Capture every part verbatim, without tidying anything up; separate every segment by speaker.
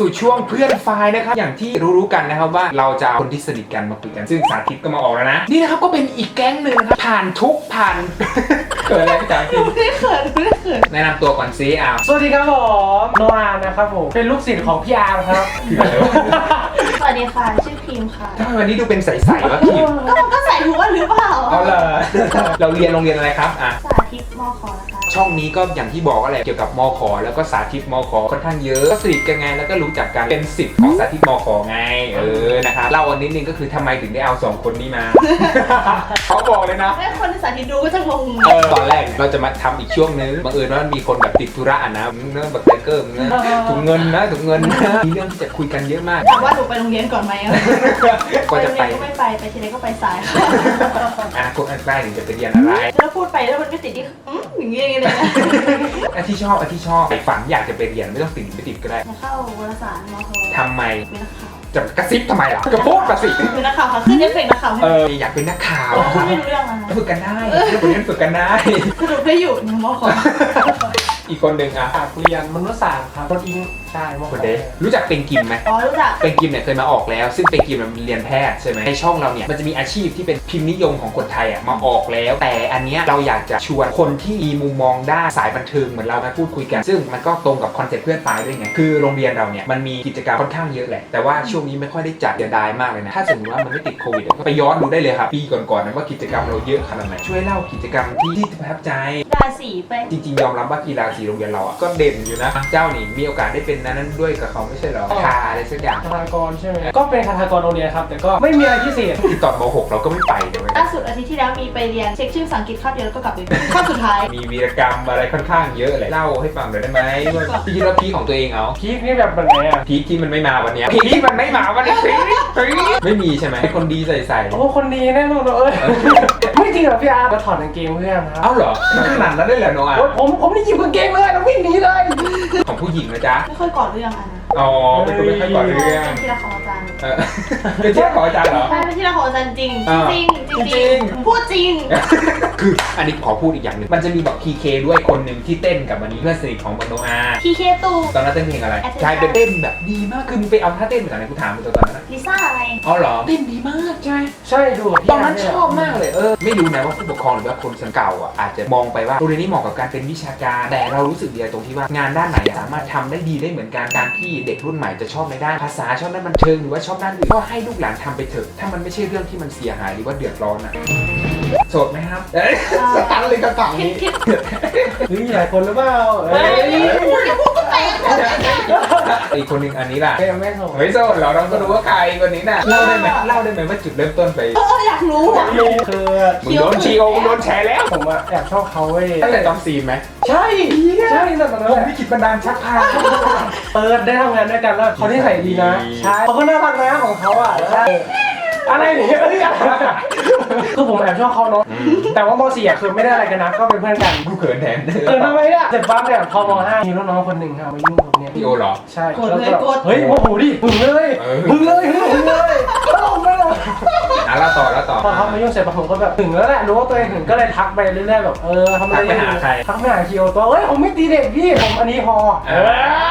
Speaker 1: สู่ช่วงเพื่อนไฟล์นะครับอย่างที่รู้ๆกันนะครับว่าเราจะเอาคนที่สนิทกันมาคุยกันซึ่งสาธิตก็มาออกแล้วนะนี่นะครับก็เป็นอีกแก๊งหนึ่งนะครับผ่านทุกผ่าน เกิดอะไรจากที่
Speaker 2: ไม่เขินไม่เขิน
Speaker 1: แนะนำตัวก่อนซิอ้าว
Speaker 3: สวัสดีครับผมโนอานะครับผมเป็นลูกศิษย์ของพี่อาร์ครับ
Speaker 2: สวัสดีค่ะชื่อพิมค่ะ
Speaker 1: ทำไมวันนี้ดูเป็นใสๆวะพี่
Speaker 2: ก็มันก็ใส่หัวหรือเปล่า
Speaker 1: เอาเลย เราเรียนโรงเรียนอะไรครับอ่ะ
Speaker 2: สาธิตมอคอนะคะ
Speaker 1: ช่องนี้ก็อย่างที่บอกอะไรเกี่ยวกับมขแล้วก็สาธิตมขค่อนข้างเยอะก็สนิทกันไงแล้วก็รู้จักกันเป็นศิษย์ของสาธิตมขไงเออนะครับเล่าอันนิดนึงก็คือทำไมถึงได้เอาสองคนนี้มา เขาบอกเลยนะ
Speaker 2: ให้คนในสาธิตดูก็จะงง
Speaker 1: เออตอนแรกเราจะมาทำอีกช่วงนึงบังเอิญว่ามีคนแบบติดธุระนะมึงเนื่องแบบไทเกอร์มึงนะถุงเงินนะถุงเงินนะมีเรื่องที่จะคุยกันเยอะมาก
Speaker 2: ถามว่าหนูไปโรงเรียนก่อนไหม
Speaker 1: ก็
Speaker 2: ไป
Speaker 1: จะ
Speaker 2: โรง
Speaker 1: ไป
Speaker 2: เรียนก็ไม่ไปไปทีไรก็ไปสายค่ะ
Speaker 1: อนาคตอันใกล้ถึงจะไปเรียนอะไร
Speaker 2: แล้วพูดไปแล้วมันไม่ติดที่อืมอย่างเงี้ยเลยนะ
Speaker 1: อันที่ชอบอันที่ชอบฝันอยากจะไปเรียนไม่ต้องติดไม่ติดก็ได้
Speaker 2: จะเข้าวารสารมอคอ
Speaker 1: ทำไม
Speaker 2: เป็นนักข่าว
Speaker 1: จะกระซิบทำไมล่ะก็พูดมาสิ
Speaker 2: เป็นนักข่าวค่ะขึ้นเอฟเฟกต์นักข่าวให้
Speaker 1: เอออยากเป็นนักข่าว
Speaker 2: พูดไม่รู้เรื่องอะไร
Speaker 1: ฝึกกันได้คนนี้ฝึกกันได้
Speaker 2: สรุปได้อยู่ในมอคอ
Speaker 1: อีกคนหนึ่งอ่ะ
Speaker 3: อยากเรียนมนุษยศาสตร์ครับคนอิงใช่ม
Speaker 1: คนเดรู้จักเป็นกิมไหม
Speaker 2: อ๋อรู้จัก
Speaker 1: เป็นกิมเนี่ยเคยมาออกแล้ว ซึ่งเป็นกิมมันเรียนแพทย์ใช่ไหมในช่องเราเนี่ยมันจะมีอาชีพที่เป็นพิมพ์นิยมของคนไทยอ่ะมาออกแล้ว แต่อันเนี้ยเราอยากจะชวนคนที่มีมุมมองด้านสายบันเทิงเหมือนเรามาพูดคุยกัน ซึ่งมันก็ตรงกับคอนเซ็ปต์เพื่อนปลายด้วยไงคือโรงเรียนเราเนี่ยมันมีกิจกรรมค่อนข้างเยอะแหละแต่ว่าช่วงนี้ไม่ค่อยได้จัดเสียดายมากเลยนะถ้าสมมติว่ามันไม่ติดโควิดก็ไปย้อนดูได้เลยครับปีก่อนๆนะว่ากิจกรรมเราเยอะขนาดไหนช่วยเล่ากิจกรรมที่ที่ประทับใจ
Speaker 2: ราศีไป
Speaker 1: จริงๆยอมรับว่ากีฬาสีโรงเรียนเราอ่ะก็เด่นอยู่นะเจ้านี่มีโอกาสได้เป็นนั้นด้วยกับเขาไม่ใช่เหรอคาอะไรสักอย่าง
Speaker 3: คาถากรใช่ไหมก็เป็นคาถากรโรงเรียนครับแต่ก็ไม่มีอะไรพิเศษ
Speaker 1: ที่ตอนม .หก เราก็ไม่ไปเลย
Speaker 2: ล่าสุดอาทิตย์ที่แล้วมีไปเรียนเช็คชื่อภาษาอังกฤษคาบเดียวแล้วก็กลับไปคาบสุดท้าย
Speaker 1: มีวีรกรรมอะไรค่อนข้างเยอะเลยเล่าให้ฟังหน่อยได้ไหมว่าพี่คิดว่าพีคของตัวเองเอา
Speaker 3: พีคนี่แบบแบบไหนอ่ะ
Speaker 1: พีคที่มันไม่มาวันเนี้ยพีคที่มันไม่มาวันนี้พีคพีคไม่มีใช่ไหมเป็นคนดีใส่ๆ
Speaker 3: โอ้คนดีแน่นอนเลยไม่จริงเหรอพี่อาร์ก็ถอดกางเกงเพื่อนครับ
Speaker 1: เอ้าเหรอขนาดนั้นได้เหรอน้องอ่ะ
Speaker 3: โอ้ยผมผมนี่หยิบกางเกงเลยแล้ววิ่งหนีเลย
Speaker 1: ของผู้หญิงนะจ๊ะ
Speaker 2: ไม่ค่อยก่อเรื่องอะนะ
Speaker 1: อ๋อเป็นคนไม่ค่อยก่อนเรื่อง
Speaker 2: เป็นที่รักของอาจารย์
Speaker 1: เออเป็นเจ้าของอาจารย์เหรอ
Speaker 2: ใช่เป็นที่รักของอาจารย์จริง
Speaker 1: อ่า
Speaker 2: จริงจริง
Speaker 1: จริง
Speaker 2: พูดจริง
Speaker 1: คืออันนี้ขอพูดอีกอย่างหนึ่งมันจะมีแบบพีเคด้วยคนหนึ่งที่เต้นกับวันนี้เพื่อนสนิทของบันโนอา
Speaker 2: พีเคตู
Speaker 1: ตอนนั้นเต้นเพลงอะไร
Speaker 2: Attention
Speaker 1: ใช่เป็นเต้นแบบดีมากคือมึงไปเอาท่าเต้นมาจากไหนกูถามมึงตอนนั้นนะ
Speaker 2: ลิซ่าอะไร
Speaker 1: อ๋อเหรอเต้นดีมากใช่ไหม
Speaker 3: ใช่ดู
Speaker 1: ตอนนั้นชอบมากเลยเออไม่รู้นะว่าผู้ปกครองหรือว่าคนสังเก่าอ่ะอาจจะมองไปว่าโรงเรียนนี้เหมาะกับการเป็นวิชาการแต่เรารู้สึกดีตรงที่ว่างานด้านไหนสามารถทำได้ดีได้เหมือนกันการที่เด็กรุ่นใหม่จะชอบในด้านภาษาชอบด้านบันเทิงหรือว่าชอบด้านอื่นก็ให้ลูกหลานทำไปเถอะถ้ามันไม่ใช่เรื่องที่มันเสียหายหรือว่าเดือดร้อนอ่ะโสดไหมครับเอ้ยสตันเลยคำถาม
Speaker 2: คิด
Speaker 1: นี้
Speaker 2: คิด
Speaker 3: นี่มีหลายคนหรือเปล่า
Speaker 2: เฮ้ยพูดแค่พูดก็แปลก
Speaker 1: อีกคนหนึ่งอันนี้ล่ะ
Speaker 3: ไม่ไม่ส่ง
Speaker 1: ไม่โสดเหรอเราก็รู้ว่าใครคนนี้น่ะเล่าได้ไหมเล่าได้ไหมว่าจุดเริ่มต้นไป
Speaker 2: เอออยากรู้อยากรู้
Speaker 3: คือ
Speaker 1: มึงโดนชีโอมึงโดนแชร์แล้ว
Speaker 3: ผมอะแอบชอบเขาเว้ย
Speaker 1: ตั้งแต่ตอนซีนไหม
Speaker 3: ใช่ใช่ตั้งแต่ตอนนั้น
Speaker 1: ผม
Speaker 3: แหละ
Speaker 1: วิกฤตบันดาลชักพา
Speaker 3: เปิดได้ทำงานด้วยกันแล้วเขาที่ใส่ดีนะใช่เขาก็น่ารักนะของเขาอ่ะใช่อะไรเนี่ยเอ้ยคือผมแอบชอบเขาเนาะแต่ว่ามอสี่อ่ะคือไม่ได้อะไรกันนะก็เป็นเพื่อนกัน
Speaker 1: กูเขินแทน
Speaker 3: เออทำไมอ่ะเสร็จปั๊บเนี่ยพอมห้ามีรุ่นน้องคนหนึ่งค่ะมายุ่งกับเนี่ย
Speaker 1: พี่โอเหรอ
Speaker 3: ใช่
Speaker 2: กดเลยกด
Speaker 3: เฮ้ยโมโหดิหึงเลย
Speaker 1: เออ
Speaker 3: หึงเลยหึงเลยตลกไม่ลง
Speaker 1: อ่ะแล้วต่อแล้วต่อ
Speaker 3: พอเขามายุ่งเสร็จผมก็แบบหึงแล้วแหละรู้ว่าตัวเองหึงก็เลยทักไปเรื่อยๆแบบเออทำอะไร
Speaker 1: ทักไปหาใคร
Speaker 3: ทักไปหาคิวตัวเฮ้ยผมไม่ตีเด็กพี่ผมอันนี้พอ
Speaker 1: เออ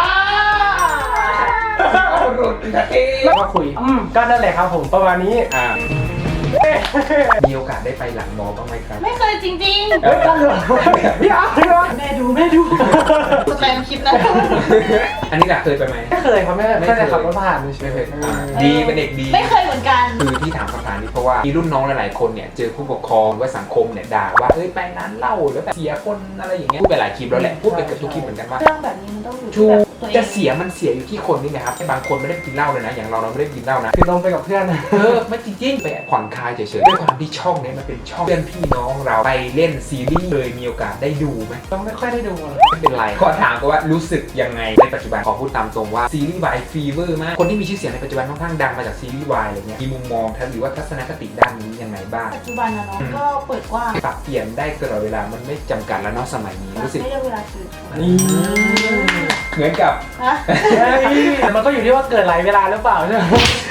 Speaker 1: รุดนะเอ๊
Speaker 3: แล้วก็คุยอืมก็นั่นแหละครับผมประมาณนี้
Speaker 1: อ่ามีโอกาสได้ไปหลังมอบ้างไหมครับ
Speaker 2: ไม่เคยจริง
Speaker 3: เฮ้ยกันเลยพี่อาร์ตพี่อาร์ต
Speaker 2: ๆ แม่ดูแม่ดูสแปมคลิปนะ
Speaker 1: อันนี้ล่ะเคยไปไหม
Speaker 3: ไม่เคยครับแม่ไม่เคยขับรถผ่านเลย
Speaker 1: ไม่เคย
Speaker 3: เอ
Speaker 1: อ่า
Speaker 3: อ
Speaker 1: ดีเป็นเด็กดี
Speaker 2: ไม่เคยเหมือนกัน
Speaker 1: คือที่ถามคำถามนี้เพราะว่ามีรุ่นน้องหลายๆคนเนี่ยเจอผู้ปกครองหรือว่าสังคมเนี่ยด่าว่าเอ้ยไปร้านเหล้าแล้วแบบเสียคนอะไรอย่างเงี้ยพูดไปหลายคลิปแล้วแหละพูดไปเกือบทุกคลิปเหมือนกันว่า
Speaker 2: เรื่องแบบนี้มันต้องอยู่ที่
Speaker 1: ชู
Speaker 2: แบบตัวเอง
Speaker 1: จะเสียมันเสียอยู่ที่คนนี่นะครับบางคนไม่ได้กินเหล้าเลยนะอย่างเราเราไม่ได้กินเหล้านะ
Speaker 3: คือลงไปกับเพื่อน
Speaker 1: เออไม่จริงๆไปผ่อนคลายเฉยๆด้วยความที่ช่องเนี้มันเป็นช่องเพื่อนพี่น้องเราไปเล่นซีรีส์เลยมีโอกาสได้ดูไหม
Speaker 3: ต้องไม่ค่อยได้ดูเลย
Speaker 1: ไม่เป็นไรขอถามก็ว่ารู้สึกยังไงในปัจจุบันขอพูดตามตรงว่าซีรีส์วายฟีเวอร์มากคนที่มีชื่อเสียงในปัจจุบันค่อนข้างดังมาจากซีรีส์วายอะไรเงี้ยมีมุมมองหรือว่าทัศนคติด้านนี้ยังไงบ้าง
Speaker 2: ปัจจุบันนะเนาะก็เปิดกว้าง
Speaker 1: ปรับเปลี่ยนได้ตลอดเวลามันไม่จำกัดแล้วเนาะสมัยนี้รู้สึก
Speaker 2: ไม่ได้เวลาคืน
Speaker 3: นี่
Speaker 1: เหมือนกับ
Speaker 2: ฮะ
Speaker 3: แต่มันก็อยู่ที่ว่าเกิดหลายเวลาหรือเปล่าใช่ไหม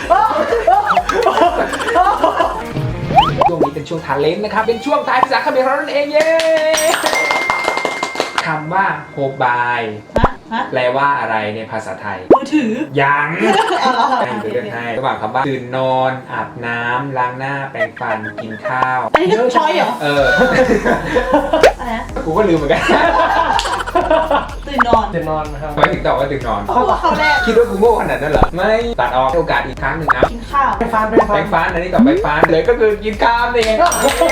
Speaker 1: ช่วงนี้เป็นช่วงทาเลนต์นะครับเป็นช่วงทายภาษาเขมรเรานั่นเองเย้คำว่าโฮบาย
Speaker 2: ฮะ
Speaker 1: โ
Speaker 2: ฮะ
Speaker 1: แปลว่าอะไรในภาษาไทย
Speaker 2: มือถือ
Speaker 1: ยัง
Speaker 2: เอาละ
Speaker 1: ให้เลือกให้ระหว่างคำว่าตื่นนอนอาบน้ำล้างหน้าแปรงฟันกินข้าว
Speaker 2: อันนี้คือช้อยเหรอ
Speaker 1: เออ
Speaker 2: อะไรนะ
Speaker 1: กูก็ลืมเหมือนกัน
Speaker 2: ตื่นนอน
Speaker 3: เดี๋ยวนอนครับ
Speaker 1: ทำไมถึงตอบว่าตื่นนอน
Speaker 2: พูดเขาแรก
Speaker 1: คิดว่ากูโง่ขนาดนั้นเหรอ ไม่ตัดออกให้โอกาสอีกครั้งหนึ่งนะ
Speaker 2: กินข้าว
Speaker 3: ไปฟันไปฟั
Speaker 1: แปร
Speaker 3: น
Speaker 1: งฟันอันนี้ตอบแปรงฟันเลยก็คือกินข้าวนี่ไง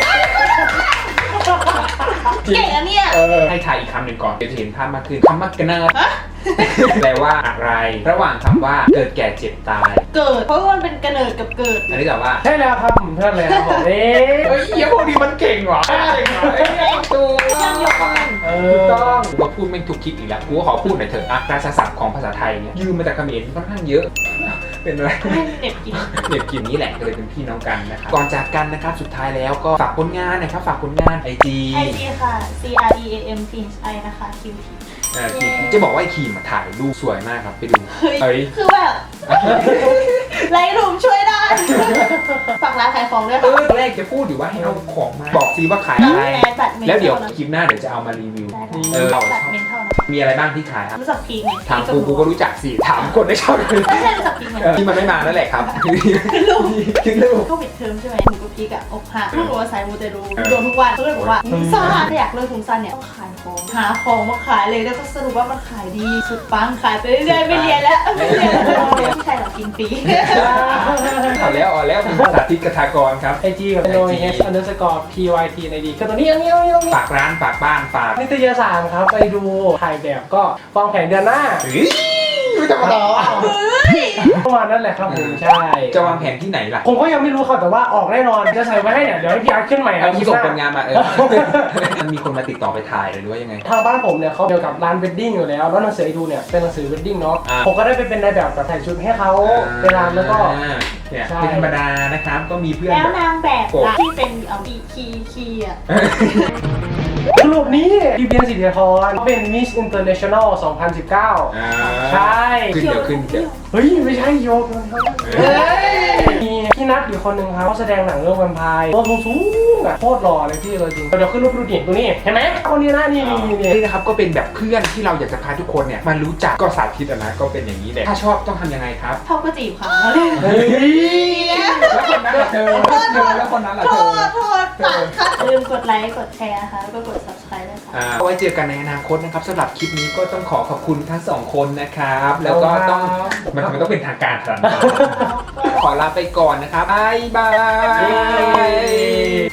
Speaker 2: เก่งอะเนี่ย
Speaker 1: เออให้ทายอีกคำหนึ่งก่อนเดี๋ยวจะเห็นภาพมากขึ้นคำว่ากระเนิดแปลว่าอะไร ระหว่างคำว่าเกิดแก่เจ็บตาย
Speaker 2: เกิด เพราะว่ามันเป็นกระเนิดกับเกิด
Speaker 1: อันนี้ตอบว่า
Speaker 3: ใช่แล้วครับผมเพื่อนเลยครับผมเอ๊ะ
Speaker 1: เฮ้ยเหี้ยพวกนี้มันเก่งว่ะเก่งว่ะเอ้ยถูก
Speaker 2: ยังยกมือ
Speaker 3: เอ
Speaker 1: ถูก
Speaker 3: อ
Speaker 1: ต้องกูมาพูดแม่งทุกคลิปอีกแล้วกูก็ขอพูดหน่อยเถอะอ่ะราชาศัพท์ของภาษาไทยเนี่ยยืมมาจากเขมรค่อนข้างเยอะ เป็นอะไร
Speaker 2: ให้เด็กกิน
Speaker 1: เด็กกลิ่นนี้แหละก็เลยเป็นพี่น้องกันนะครับก่อนจากกันนะครับสุดท้ายแล้วก็ฝากผลงานนะครับฝากผลงานไอจี
Speaker 2: ไอจีค่ะ C R E A M T H I นะคะ Q T
Speaker 1: จะบอกว่าไอคีมมาถ่ายรูปสวยมากครับไปดู
Speaker 2: เฮ้ย
Speaker 1: เอ้ย
Speaker 2: คือแบบไลท์รูมช่วยได้ ฝากร้านขายของด้วย
Speaker 1: เอ
Speaker 2: ค่ะ
Speaker 1: อแรกจะพูดอยู่ว่าให้เอาของมาบอกซีว่าขายอะไร
Speaker 2: แมสบัตรเมน
Speaker 1: แล้วเดี๋ยว
Speaker 2: นะ
Speaker 1: คลิปหน้าเดี๋ยวจะเอามารีวิว
Speaker 2: ได้
Speaker 1: เออเรา
Speaker 2: บัตรเมนเท่านะ
Speaker 1: มีอะไรบ้างที่ขายครับ
Speaker 2: รู้จักพีคไหม
Speaker 1: ถามกูกูก็รู้จักสิถามคนได้ชอบเลย
Speaker 2: ไม่ใช่รู้จักพีคไหม
Speaker 1: เออที่มันไม่มานั่นแหละครับ
Speaker 2: คือลูก
Speaker 1: คิดลูก
Speaker 2: ก็ปิดเทอมใช่ไหมหนูกับพีกอะอกหักพูดว่าสายมูเตลูโดนทุกวันก็เลยบอกว่าถุงซ่านถ้าอยากเลิกถุงซ่านเนี่ยต้องขายของหาของมาขายเลยแล้วก็สรุปว่ามันขายดีสุดปังขายไปเรื่อยๆไม่เรียนแล้วไม่เรียนแล้วไม่ใช่หรอกกินฟรี
Speaker 1: เอาแล้วเอาแล้วคุณสาธิตกทากรครับ
Speaker 3: ไอจีกับ N O H underscore P Y T ในดีก็ตัวนี้อันนี้อันนี้อันนี้
Speaker 1: ฝากร้านฝากบ้านฝาก
Speaker 3: นิตยสารครับไปดูถ่ายแบบก็วางแผนเดือนหน้า
Speaker 1: เฮ้ยไม่ธรรมดา
Speaker 3: ประมาณนั้นแหละครับผมใช่
Speaker 1: จะวางแผนที่ไหนล่ะ
Speaker 3: ผมก็ยังไม่รู้ครับแต่ว่าออกแน่นอนจะใส่ไว้ให้เนี่ยเดี๋ยวให้พี่อาร์ตขึ้นใหม่
Speaker 1: เอาที่ส่ง
Speaker 3: ค
Speaker 1: ผ
Speaker 3: ลิป
Speaker 1: ล
Speaker 3: ห
Speaker 1: งานมาเออ มันมีคนมาติดต่อไปถ่ายเลยหรือว่ายังไง
Speaker 3: ทางบ้านผมเนี่ยเขาเกี่ยวกับร้านเวดดิ้งอยู่แล้วแล้วหนังสือไอดูเนี่ยเป็นหนังสือเวดดิ้งเนาะ
Speaker 1: อ่า
Speaker 3: ผมก็ได้ไปเป็นนายแบบกับถ่ายชุดให้เขาในร้านแล้วก็
Speaker 1: อ่าเนี่ย
Speaker 3: ใช่
Speaker 1: เป็นธรรมดานะครับ ก็มีเพื่อน
Speaker 2: แล้ว
Speaker 1: แบบ
Speaker 2: นางแบบล่ะที่เป็นเอาบีคีคีอ่ะ
Speaker 3: สรุปนี้พี่เบียร์สิทธิธรเขาเป็น Miss International สองพันสิบเก้า
Speaker 1: อ่า
Speaker 3: ใช่
Speaker 1: ขึ้นเดี๋ยวขึ้นเดี๋ยว
Speaker 3: เฮ้ยไม่ใช่โยกเฮ้ยมีพี่นัทอีกคนนึงครับเขาแสดงหนังเรื่องแวมไพร์ตัวสูงๆอ่ะโคตรหล่อเลยพี่เลยจริงเดี๋ยวขึ้นรูปดูดิตรงนี้เห็นไหมคนนี้นะนี่นี่นี่
Speaker 1: นี่นะครับก็เป็นแบบเพื่อนที่เราอยากจะพาทุกคนเนี่ยมารู้จักก็สาธิตอะนะก็เป็นอย่างนี้แหละถ้าชอบต้องทำยังไงครับ
Speaker 2: ชอบก็จีบค่ะแล้วเลย
Speaker 3: เฮ้ย
Speaker 1: แล้วคนนั้นล่ะเธอเธอแล้วคนนั้นล่ะ
Speaker 2: โท
Speaker 1: เธอ
Speaker 2: ษโทษฝากค่ะอย่าลืมกดไลค์กดแชร์นะคะแล้วก็กด subscribe ด้วยค่ะ
Speaker 1: อ่าเอาไว้เจอกันในอนาคตนะครับสำหรับคลิปนี้ก็ต้องขอขอบคุณทั้งสองคนนะครับ แล้วก็ต้องมันมันต้องเป็นทางการขนาดนั้นขอลาไปก่อนนะครับบ๊ายบาย